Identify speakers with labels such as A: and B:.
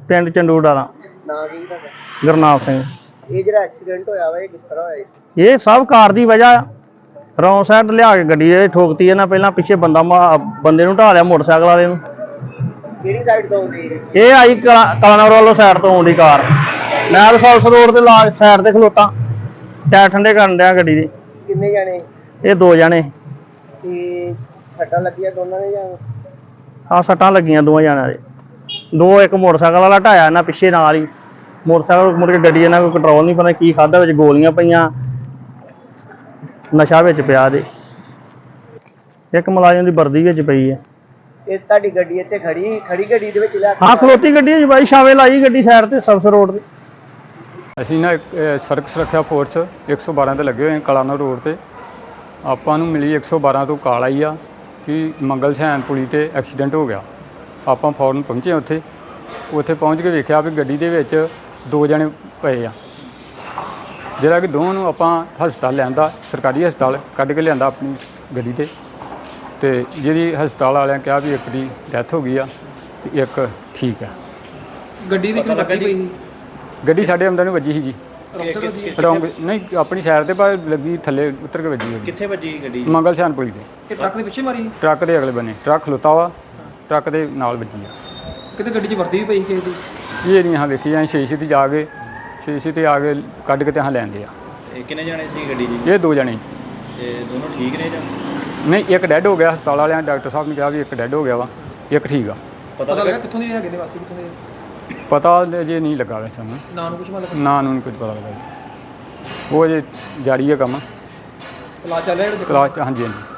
A: ਪਿੰਡ ਚੰਡੂ ਡਾਲਾ।
B: ਨਾਂ ਕੀ ਤੁਹਾਡਾ?
A: ਗੁਰਨਾਮ ਸਿੰਘ।
B: ਇਹ ਜਿਹੜਾ ਐਕਸੀਡੈਂਟ ਹੋਇਆ ਵਾ ਇਹ ਕਿਸ ਤਰ੍ਹਾਂ ਹੋਇਆ?
A: ਇਹ ਸਭ ਕਾਰ ਦੀ ਵਜ੍ਹਾ ਰੌਂਗ ਸਾਈਡ ਲਿਆ ਕੇ ਗੱਡੀ ਇਹ ਠੋਕਤੀ ਇਹਨਾਂ। ਪਹਿਲਾਂ ਪਿੱਛੇ ਬੰਦੇ ਨੂੰ ਢਾ ਲਿਆ ਮੋਟਰਸਾਈਕਲ ਵਾਲੇ ਨੂੰ।
B: ਕਿਹੜੀ ਸਾਈਡ ਤੋਂ ਆਉਂਦੀ ਹੈ?
A: ਇਹ ਆਈ ਕਲਾਨੌਰ ਵੱਲੋਂ ਸਾਈਡ ਤੋਂ ਆਉਂਦੀ ਕਾਰ। ਮੈਂ ਰਸੌਲਸ ਰੋਡ ਤੇ ਲਾ ਸਾਈਡ ਤੇ ਖਲੋਤਾ, ਟਾਇਰ ਠੰਡੇ ਕਰਨ ਡਿਆ ਗੱਡੀ ਦੇ।
B: ਕਿੰਨੇ ਜਾਣੇ?
A: ਇਹ 2 ਜਣੇ।
B: ਤੇ ਸੱਟਾਂ ਲੱਗੀਆਂ ਦੋਨਾਂ ਦੇ ਜਾਂ?
A: ਹਾਂ, ਸੱਟਾਂ ਲੱਗੀਆਂ 2 ਜਣਿਆਂ ਦੇ। 2 ਇੱਕ ਮੋਟਰਸਾਈਕਲ ਵਾਲਾ ਢਾਇਆ ਇਹਨਾਂ ਪਿੱਛੇ ਨਾਲ ਹੀ। ਮੋਟਰਸਾਈਕਲ ਮੁੜ ਕੇ ਗੱਡੀ ਇਹਨਾਂ ਕੋਈ ਕੰਟਰੋਲ ਨਹੀਂ, ਪਤਾ ਕੀ ਖਾਧਾ, ਵਿੱਚ ਗੋਲੀਆਂ ਪਈਆਂ, ਨਸ਼ਾ ਵਿੱਚ ਪਿਆ ਦੇ। ਇੱਕ ਮੁਲਾਜ਼ਮ ਦੀ ਵਰਦੀ ਵਿੱਚ ਪਈ ਹੈ।
B: ਇਹ ਤੁਹਾਡੀ ਗੱਡੀ ਇੱਥੇ ਖੜੀ ਗੱਡੀ ਦੇ ਵਿੱਚ ਲਿਆ ਕੇ?
A: ਹਾਂ, ਖਲੋਤੀ ਗੱਡੀ ਹੈ ਜੀ ਬਾਈ, ਛਾਵੇਂ ਲਾਈ ਗੱਡੀ ਸਾਈਡ ਤੇ ਸਰਵਿਸ ਰੋਡ ਤੇ।
C: ਅਸੀਂ ਨਾ ਸੜਕ ਸੁਰੱਖਿਆ ਫੋਰਸ 112 ਤੇ ਲੱਗੇ ਹੋਏ ਕਲਾਨੌਰ ਰੋਡ ਤੇ। ਆਪਾਂ ਨੂੰ ਮਿਲੀ 112 ਤੋਂ ਕਾਲ ਆਈ ਆ ਕਿ ਮੰਗਲ ਸੈਨ ਪੁਲੀ ਤੇ ਐਕਸੀਡੈਂਟ ਹੋ ਗਿਆ। ਆਪਾਂ ਫੌਰਨ ਪਹੁੰਚੇ ਉੱਥੇ ਪਹੁੰਚ ਕੇ ਵੇਖਿਆ ਵੀ ਗੱਡੀ ਦੇ ਵਿੱਚ 2 ਜਣੇ ਪਏ ਆ, ਜਿਹੜਾ ਕਿ ਦੋਵਾਂ ਨੂੰ ਆਪਾਂ ਹਸਪਤਾਲ ਲਿਆਂਦਾ, ਸਰਕਾਰੀ ਹਸਪਤਾਲ ਕੱਢ ਕੇ ਲਿਆਂਦਾ ਆਪਣੀ ਗੱਡੀ ਤੇ ਜਿਹਦੀ ਹਸਪਤਾਲ ਵਾਲਿਆਂ ਕਿਹਾ ਵੀ ਇੱਕ ਦੀ ਡੈਥ ਹੋ ਗਈ ਆ ਤੇ ਇੱਕ ਠੀਕ ਆ।
D: ਗੱਡੀ ਦੀ ਕਿਉਂ ਲੱਗੀ ਪਈ ਸੀ?
C: ਗੱਡੀ ਸਾਡੇ ਅੰਦਰ ਨੂੰ ਵੱਜੀ ਸੀ ਜੀ। ਰੌਂਗ ਨਹੀਂ, ਆਪਣੀ ਸਾਈਡ ਤੇ ਪਰ ਲੱਗੀ, ਥੱਲੇ ਉਤਰ ਕੇ ਵੱਜੀ।
D: ਕਿੱਥੇ ਵੱਜੀ ਗੱਡੀ?
C: ਮੰਗਲ ਸੈਨ ਪੁਲੀ ਤੇ।
D: ਇਹ ਟਰੱਕ ਦੇ ਪਿੱਛੇ ਮਾਰੀ?
C: ਟਰੱਕ ਦੇ ਅਗਲੇ ਬੰਨੇ ਟਰੱਕ ਖਲੋਤਾ ਵਾ, ਟਰੱਕ ਦੇ ਨਾਲ ਵੱਜੀ ਆ।
D: ਕਿਤੇ ਗੱਡੀ 'ਚ ਵਰਦੀ ਵੀ ਪਈ ਕਿਸੇ ਦੀ?
C: ਇਹ ਨਹੀਂ ਹਾਂ ਵੇਖੀ ਜਾਂ ਸ਼ੀਸ਼ੇ ਤੇ ਜਾ ਕੇ ਸ਼ੀਸ਼ੇ ਤੇ ਆ ਕੇ ਕੱਢ ਕੇ ਤੇ ਹਾਂ ਲੈਂਦੇ ਆ।
D: ਕਿੰਨੇ ਜਾਣੇ ਸੀ ਗੱਡੀ 'ਚ?
C: ਇਹ 2 ਜਣੇ।
D: ਤੇ ਦੋਨੋਂ ਠੀਕ ਨੇ ਜਾਂ?
C: ਨਹੀਂ, ਇੱਕ ਡੈੱਡ ਹੋ ਗਿਆ। ਹਸਪਤਾਲ ਵਾਲਿਆਂ ਡਾਕਟਰ ਸਾਹਿਬ ਨੇ ਕਿਹਾ ਵੀ ਇੱਕ ਡੈੱਡ ਹੋ ਗਿਆ ਵਾ, ਇੱਕ ਠੀਕ ਆ।
D: ਪਤਾ ਲੱਗਾ ਕਿੱਥੋਂ ਦੇ ਹੈਗੇ ਨੇ, ਵਾਸੀ ਕਿੱਥੋਂ ਦੇ?
C: ਪਤਾ ਜੇ ਨਹੀਂ ਲੱਗਾ ਵੈਸੇ ਸਾਨੂੰ।
D: ਨਾਂ ਨੂੰ ਕੁਛ ਮਤਲਬ?
C: ਨਾਂ ਨੂੰ ਨਹੀਂ ਕੁਝ ਪਤਾ ਲੱਗਾ ਜੀ। ਉਹ ਜੇ ਜਾਰੀ ਹੈ ਕੰਮ।
D: ਕਲਾਸ ਚੱਲ ਰਿਹਾ?
C: ਕਲਾਸ ਹਾਂਜੀ ਹਾਂਜੀ।